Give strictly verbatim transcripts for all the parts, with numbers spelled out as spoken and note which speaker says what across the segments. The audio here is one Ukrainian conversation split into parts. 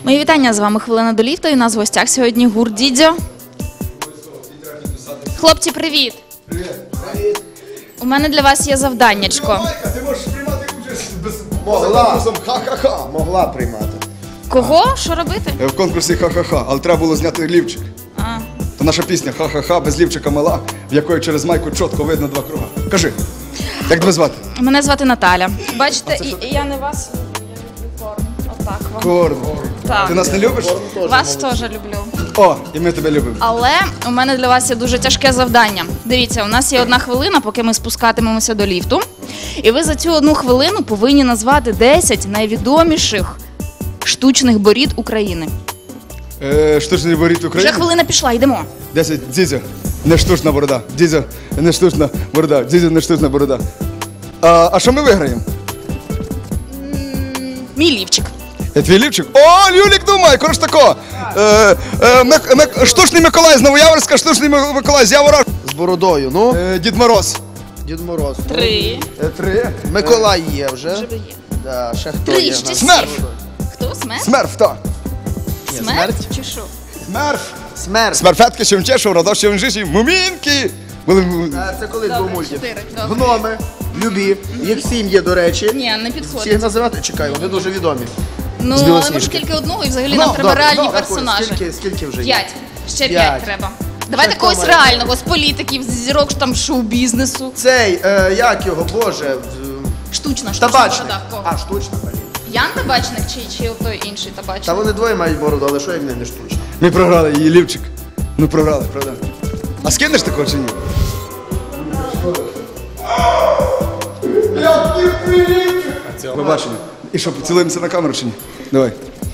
Speaker 1: Мої вітання, з вами «Хвилина до ліфта» і у нас в гостях сьогодні гурт Дідзьо. Хлопці, привіт!
Speaker 2: Привіт! Привіт!
Speaker 1: У мене для вас є завданнячко.
Speaker 2: Ти можеш приймати участь без конкурсом ха-ха-ха.
Speaker 3: Могла приймати.
Speaker 1: Кого? Що робити?
Speaker 2: В конкурсі ха-ха-ха, але треба було зняти лівчик.
Speaker 1: А.
Speaker 2: То наша пісня ха-ха-ха без лівчика мала, в якої через майку чітко видно два круга. Кажи, як тебе звати?
Speaker 1: Мене звати Наталя. Бачите, і, і я не вас люблю корм. Отак вам.
Speaker 2: Корн.
Speaker 1: Так.
Speaker 2: Ти нас не любиш?
Speaker 1: Вас теж люблю.
Speaker 2: О, і ми тебе любимо.
Speaker 1: Але у мене для вас є дуже тяжке завдання. Дивіться, у нас є одна хвилина, поки ми спускатимемося до ліфту. І ви за цю одну хвилину повинні назвати десять найвідоміших штучних борід України.
Speaker 2: Е, штучний борід України.
Speaker 1: Вже хвилина пішла, йдемо.
Speaker 2: десять. Дідзьо, не штучна борода. Дідзьо, не штучна борода. Дідзьо, не штучна борода. А, а що ми виграємо?
Speaker 1: Мій лівчик.
Speaker 2: Я твій лівчик? О, Люлік думає, коротше тако. Е, е, Мик- Мик- штучний Миколай з Новояворська, штучний Ми- Миколай з Явора.
Speaker 3: З бородою, ну,
Speaker 2: Е, Дід Мороз.
Speaker 3: Дід Мороз.
Speaker 1: Три.
Speaker 2: Е, три.
Speaker 3: Миколай є вже.
Speaker 1: Вже є.
Speaker 3: Да, ще хто
Speaker 1: Три,
Speaker 3: є?
Speaker 1: ще
Speaker 3: в нас?
Speaker 1: сім.
Speaker 2: Смерф.
Speaker 1: Хто? Смерть?
Speaker 2: Смерф, так.
Speaker 3: Ні,
Speaker 1: Смерть?
Speaker 3: смерть.
Speaker 1: Чи що?
Speaker 2: Смерф.
Speaker 3: Смерть.
Speaker 2: Смерфетки, Шевчешов, Радош, Шевчешів, Мумінки. Були м-
Speaker 3: А, Це колись був
Speaker 1: Добре,
Speaker 3: мультик.
Speaker 1: чотири. Добре.
Speaker 3: Гноми, любі, їх сім є, до речі.
Speaker 1: Ні, не
Speaker 3: Всіх
Speaker 1: підходить.
Speaker 3: називати? Чекай, вони дуже відомі.
Speaker 1: Ну,
Speaker 3: з
Speaker 1: але
Speaker 3: Білосніжки.
Speaker 1: може тільки одного, і взагалі
Speaker 3: Ну,
Speaker 1: нам треба
Speaker 3: добре,
Speaker 1: реальні
Speaker 3: добре,
Speaker 1: персонажі.
Speaker 3: Скільки, скільки вже є?
Speaker 1: П'ять. Ще п'ять
Speaker 3: П'ять.
Speaker 1: треба. Давайте
Speaker 3: Ще
Speaker 1: когось
Speaker 3: хто має?
Speaker 1: реального, з політиків, з зірок там шоу-бізнесу.
Speaker 3: Цей, е, як його, боже, в-
Speaker 1: Штучна, штучна
Speaker 3: табачник.
Speaker 1: борода. Кого?
Speaker 3: А, штучна, блін.
Speaker 1: Ян табачник чи, чи той інший
Speaker 3: Та
Speaker 1: табачник?
Speaker 3: вони двоє мають бороду, але що як не, не штучна?
Speaker 2: Ми програли її лівчик. Ну програли, правда. А скинеш такого чи ні? Побачимо. І що, поцілуємося на камеру чи ні? Давай.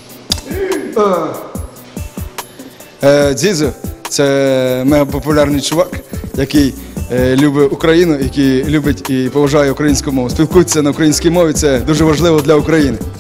Speaker 2: Е, Дзідзьо – це мега популярний чувак, який е, любить Україну, який любить і поважає українську мову. Спілкується на українській мові, це дуже важливо для України.